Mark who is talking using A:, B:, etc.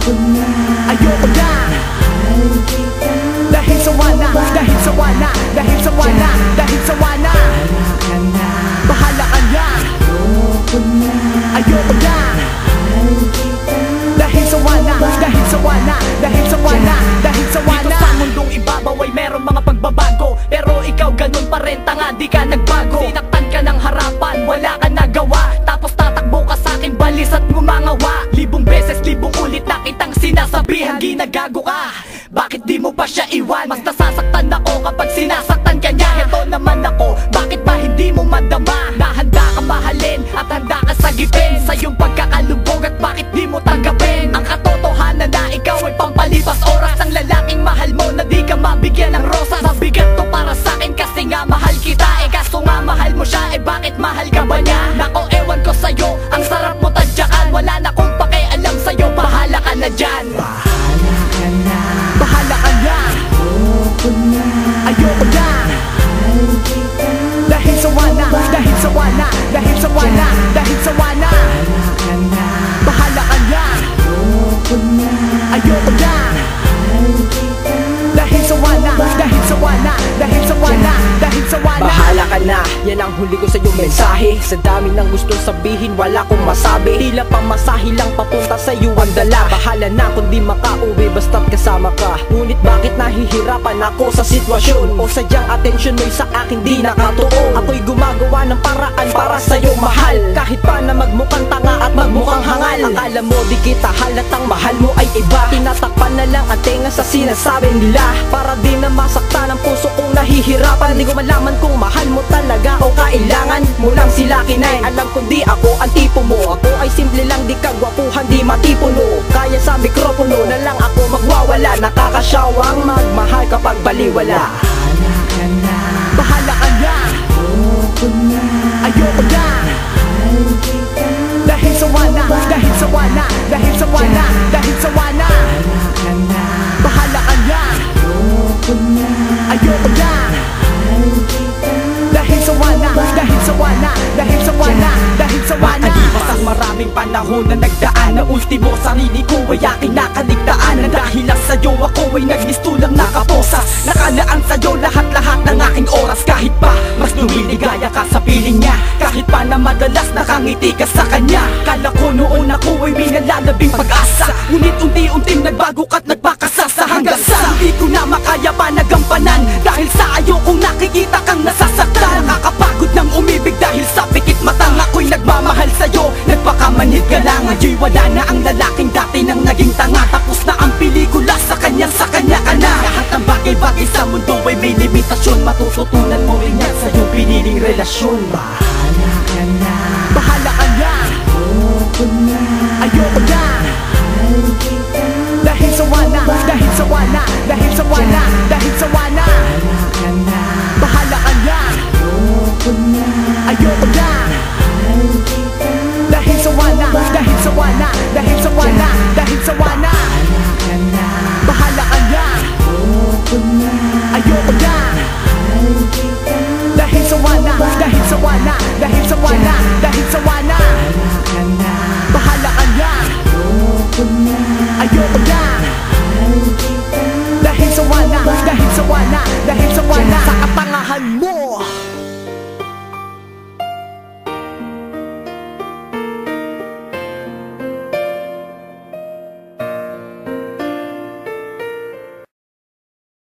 A: ayoko na. Dahil sawa na, dahil sawa na, dahil sawa na, dahil sawa na. Bahala ka na, ayoko na. Dahil sawa na, dahil sawa na, dahil sawa na, dahil sawa na. Dito sa mundong ibabaw ay merong mga pagbabago, pero ikaw ganun pa rin, tanga, di ka nagbago. Sinaktan ka ng harapan, wala ka nagawa, tapos tatakbo ka sa'kin, balis at ngumangawa. Libong beses, libong ulit na kitang sinasabihan, ginagago ka, bakit di mo pa siya iwan? Mas nasasaktan ako kapag sinasaktan ka niya. Ito naman ako, bakit ba hindi mo madama? Na handa ka mahalin at handa ka sagipin sa iyong pagkakalubog, at bakit di mo tanggapin ang katotohanan na ikaw ay pampalipas oras. Ang lalaking mahal mo na di ka mabigyan ng rosas. Mabigat to para sa'kin kasi nga mahal kita. Eh kaso nga mahal mo siya, eh bakit mahal ka ba niya? Nako ewan ko sa'yo, ang sarap mo tadyakan. Wala na kong pakialam sa'yo, bahala ka na dyan. Bahala ka na, ayoko na. Dahil sawa na, dahil sawa na, dahil sawa na, dahil sawa na. Bahala ka na, ayoko na. Dahil sawa na, dahil sawa na, dahil sawa na, dahil sawa na.
B: Bahala ka na, yan ang huli ko sa iyong mensahe. Sa dami ng gustong sabihin, wala kong masabi. Tila pamasahe lang papunta sa iyo ang dala. Bahala na kung di makauwi basta't kasama ka. Ngunit bakit nahihirapan ako sa sitwasyon? O sadyang atensyon mo'y sa akin di nakatuon? Ako'y gumagawa ng paraan para sa'yo mahal, kahit pa na magmukhang tanga at magmukhang hangal. Akala mo di kita halatang mahal mo ay iba. Tinatakpan na lang ang tenga sa sinasabi nila, para di na masaktan ang puso kong nahihirapan. Di ko malaman kung mahal mo talaga o kailangan mo lang sila kinain. Alam kong di ako ang tipo mo, ako ay simple lang, di kagwapuhan, di matipuno. Kaya sa mikropono na lang ako magwawala. Nakakasyawang magmahal kapag baliwala.
A: Bahala ka na, ayoko na. Dahil sawa na, dahil sawa na, dahil sawa na, dahil sawa na. Bahala ka na, ayoko na. Dahil sawa na, dahil sawa na, dahil sawa na, dahil sawa na.
B: Makalipas ang maraming panahon na nagdaan, na ultimo sarili ko ay aking nakaligtaan. Na dahil lang sa'yo ako ay nagmistulang nakaposas. Nakalaan sa'yo lahat-lahat ng aking oras. Kahit pa mas lumiligaya ka sa piling niya, kahit pa na madalas nakangiti ka sa kanya. Kala ko noon ako ay may nalalabing pag-asa, ngunit unti-unting nagbago ka't nagpakasasa. Hanggang sa hindi ko na makaya pa nagampanan, dahil sa ayokong nakikita kang nasasaktan. Nakakapagod ng umibig dahil sa pikit matang. Ako'y nagmamahal sa'yo, nagpakamanhid ka lang. Ngayon'y wala na ang lalaking dati nang naging tanga. Tapos na ang pelikula, sa kanya ka na. Lahat ng bagay-bagay sa mundo ay may limitasyon. Matututunan mo rin yan sa iyong piniling relasyon.
A: Bahala ka na, bahala ka na, ayoko na. Dahil sawa na, dahil sawa na, dahil sawa na, dahil sawa na. Bahala ka na, ayoko na. Dahil sawa na, dahil sawa na, dahil sawa na, dahil sawa na. Bahala ka na, ayoko na. Dahil sawa na, dahil sawa na, dahil sawa na, dahil sawa na. Bahala ka na, ayoko na. Dahil sawa na, dahil sawa na, dahil sawa na. Sa katangahan mo